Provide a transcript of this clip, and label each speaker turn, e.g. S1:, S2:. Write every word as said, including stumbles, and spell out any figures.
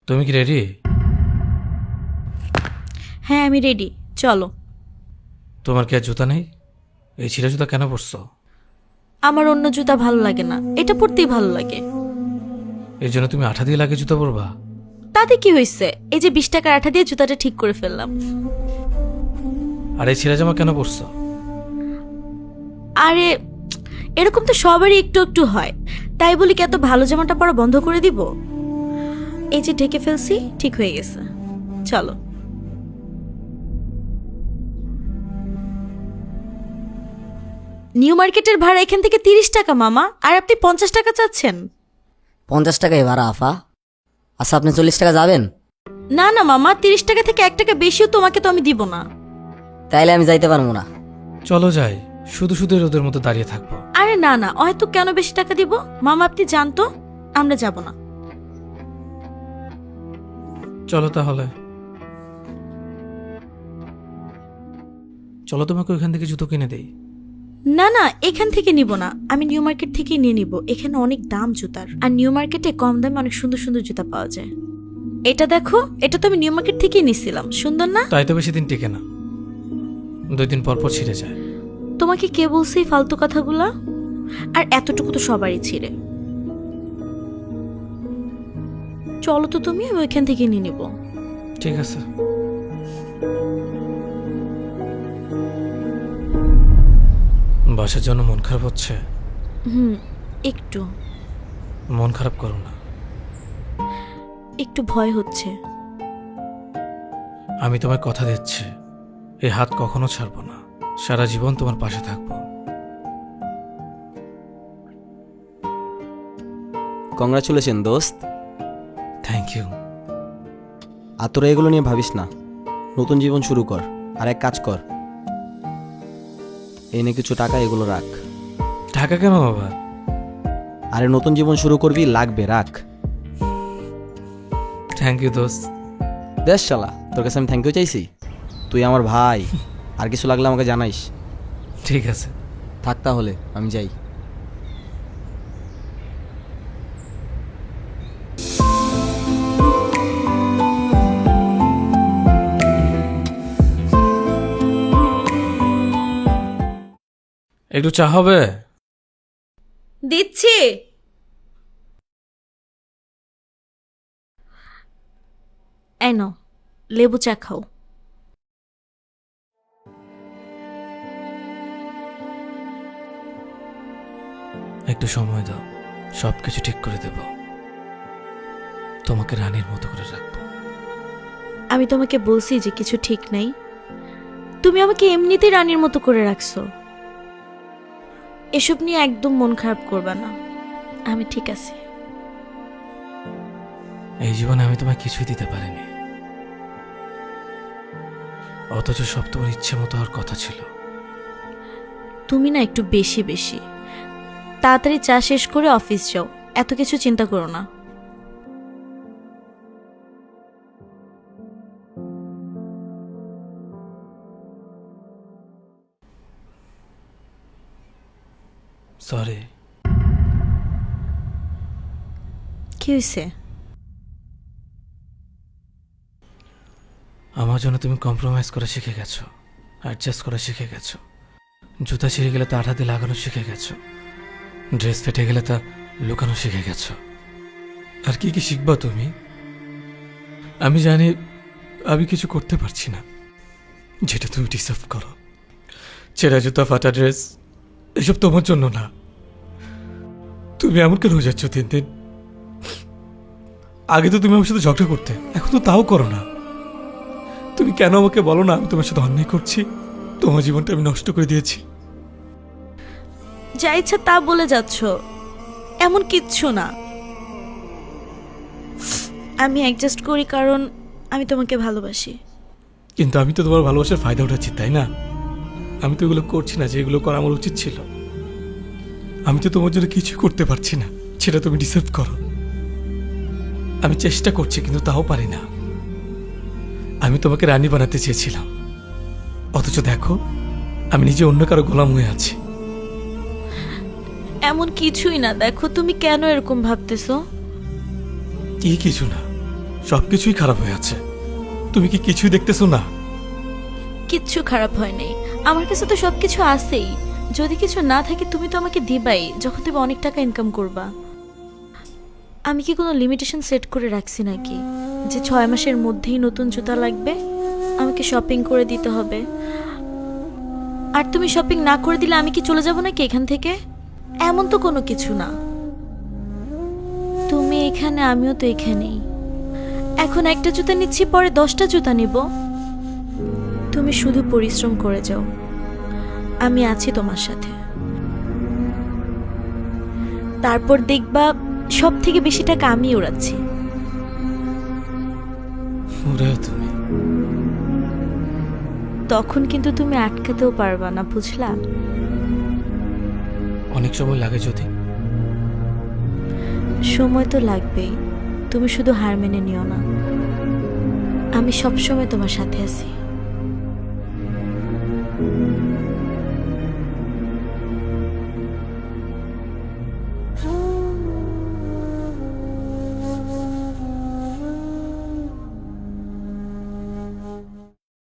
S1: তুমি কি রেডি?
S2: হ্যাঁ আমি রেডি, চলো।
S1: তোমার কি আর জুতা নেই? এই ছিঁড়া জুতা কেন পরছো?
S2: আমার অন্য জুতা ভালো লাগে না, এটা পরতেই ভালো লাগে।
S1: এর জন্য তুমি আঠা দিয়ে লাগে জুতা পরবা?
S2: তাতে কি হয়েছে, এই যে বিশ টাকার আঠা দিয়ে জুতাটা ঠিক করে ফেললাম।
S1: আর এই ছিঁড়া জামা কেন পরছো?
S2: আরে এরকম তো সবারই একটু একটু হয়, তাই বলি কি এত ভালো জামাটা পরা বন্ধ করে দিব? এই যে ঢেকে ফেলছি, ঠিক হয়ে গেছে, চলো। নিউ মার্কেটের ভাড়া এখান থেকে তিরিশ টাকা মামা, আর আপনি পঞ্চাশ টাকা চাচ্ছেন।
S3: পঞ্চাশ টাকাই ভাড়া আফা। আচ্ছা আপনি চল্লিশ টাকা যাবেন?
S2: না না মামা, তিরিশ টাকা থেকে এক টাকা বেশিও তোমাকে তো আমি দিব না।
S3: তাইলে আমি যাইতে পারবো না।
S1: চলো যাই, শুধু শুধু রোদের মতো দাঁড়িয়ে থাকবো।
S2: আরে না না, হয়তো কেন বেশি টাকা দিব মামা, আপনি জানতো আমরা যাব না।
S1: চলো তাহলে, চলো তোমাকে ওইখান থেকে জুতো কিনে দেই।
S2: না না, এখান থেকে নিব না, আমি নিউ মার্কেট থেকেই নিয়ে নিব। এখানে অনেক দাম জুতার, আর নিউ মার্কেটে কম দামে অনেক সুন্দর সুন্দর জুতা পাওয়া যায়। এটা দেখো, এটা তো আমি নিউ মার্কেট থেকেই নিছিলাম, সুন্দর না?
S1: তাই তো বেশি দিন টিকে না, দুই দিন পর পর ছিঁড়ে যায়।
S2: তোমাকে কে বলছে এই ফালতু কথাগুলা? আর এতটুকু তো সবারই ছিঁড়ে। চলো তো তুমি, আমি ওইখান থেকে নিয়ে নিব।
S1: ঠিক আছে। বাসার জন্য মন খারাপ হচ্ছে?
S2: হুম, একটু
S1: মন খারাপ করো না।
S2: একটু ভয় হচ্ছে।
S1: আমি তোমায় কথা দিচ্ছি, এই হাত কখনো ছাড়বো না, সারা জীবন তোমার পাশে থাকবো।
S4: কংগ্রাচুলেশন দোস্ত।
S1: Thank you.
S4: আর তোরা এগুলো নিয়ে ভাবিস না, নতুন জীবন শুরু কর। আর এক কাজ কর, এনে কিছু টাকা এগুলো রাখ।
S1: ঢাকা কেন বাবা?
S4: আরে নতুন জীবন শুরু করবি, লাগবে, রাখ।
S1: থ্যাংক ইউ দোস্ত।
S4: দেশ শালা, তোর কাছে আমি থ্যাংক ইউ চাইছি? তুই আমার ভাই, আর কিছু লাগলে আমাকে জানাইস।
S1: ঠিক আছে।
S4: থাক তাহলে, আমি যাই।
S1: একটু চা হবে?
S2: দিচ্ছি। এই নাও, লেবু চা খাও।
S1: একটু সময় দাও, সবকিছু ঠিক করে দেব, তোমাকে রানীর মতো করে রাখবো।
S2: আমি তোমাকে বলছি যে কিছু ঠিক নাই, তুমি আমাকে এমনিতেই রানীর মতো করে রাখছো। এসব নিয়ে একদম মন খারাপ করবা না, আমি ঠিক আছি।
S1: এই জীবনে আমি তোমায় কিছুই দিতে পারিনি, অথচ সব তোমার ইচ্ছে মতো হওয়ার কথা ছিল।
S2: তুমি না একটু বেশি বেশি। তাড়াতাড়ি চা শেষ করে অফিস যাও, এত কিছু চিন্তা করো না।
S1: সরি।
S2: কি হয়েছে?
S1: আমার জন্য তুমি কম্প্রোমাইজ করা শিখে গেছো, অ্যাডজাস্ট করা শিখে গেছো, জুতা ছিঁড়ে গেলে তা আঠা দিয়ে লাগানো শিখে গেছো, ড্রেস ফেটে গেলে তা লুকানো শিখে গেছো। আর কি কি শিখবা তুমি? আমি জানি আমি কিছু করতে পারছি না যেটা তুমি ডিসার্ভ করো। ছেঁড়া জুতা, ফাটা ড্রেস, এসব তোমার জন্য না। তুমি এমন কেন হয়ে যাচ্ছ দিন দিন? আগে তো তুমি আমার সাথে ঝগড়া করতে, এখন তো তাও করো না। তুমি কেন আমাকে বলো না আমি তোমার সাথে অন্যায় করছি, তোমার জীবনটা আমি নষ্ট করে দিয়েছি?
S2: যা ইচ্ছা তা বলে যাচ্ছ, এমন কিচ্ছু না। আমি অ্যাডজাস্ট করি কারণ আমি তোমাকে ভালোবাসি।
S1: কিন্তু আমি তো তোমার ভালোবাসার ফায়দা উঠাচ্ছি, তাই না? আমি তো এগুলো করছি না যে এগুলো করা আমার উচিত ছিল। আমি তো তোমার জন্য কিছু করতে পারছি না, সেটা তুমি ডিসার্ভ করো। আমি চেষ্টা করছি কিন্তু তাও পারি না। আমি তোমাকে রানী বানাতে চেয়েছিলাম, অথচ দেখো আমি নিজে অন্য কারো গোলাম হয়ে আছি।
S2: এমন কিছুই না, দেখো তুমি কেন এরকম ভাবতেছো?
S1: কি কিছু না, সব কিছুই খারাপ হয়ে আছে। তুমি কি কিছুই দেখতেছো না?
S2: কিচ্ছু খারাপ হয় নাই, আমার কাছে তো সব কিছু আছেই। যদি কিছু না থাকে তুমি তো আমাকে দিবাই যখন তুমি অনেক টাকা ইনকাম করবা। আমি কি কোনো লিমিটেশন সেট করে রাখছি নাকি যে ছয় মাসের মধ্যেই নতুন জুতা লাগবে, আমাকে শপিং করে দিতে হবে? আর তুমি শপিং না করে দিলে আমি কি চলে যাব নাকি এখান থেকে? এমন তো কোনো কিছু না। তুমি এখানে, আমিও তো এখানেই। এখন একটা জুতা নিচ্ছি, পরে দশটা জুতা নিব। তুমি শুধু পরিশ্রম করে যাও, আমি আছি তোমার সাথে। তারপর দেখবা সব থেকে বেশি টাকা আমি উড়াচ্ছি।
S1: ওরেও তুমি।
S2: তখন কিন্তু তুমি আটকাতেও পারবা না, বুঝলা?
S1: অনেক সময় লাগে যদি।
S2: সময় তো লাগবেই, তুমি শুধু হার মেনে নিও না। আমি সব সময় তোমার সাথে আছি।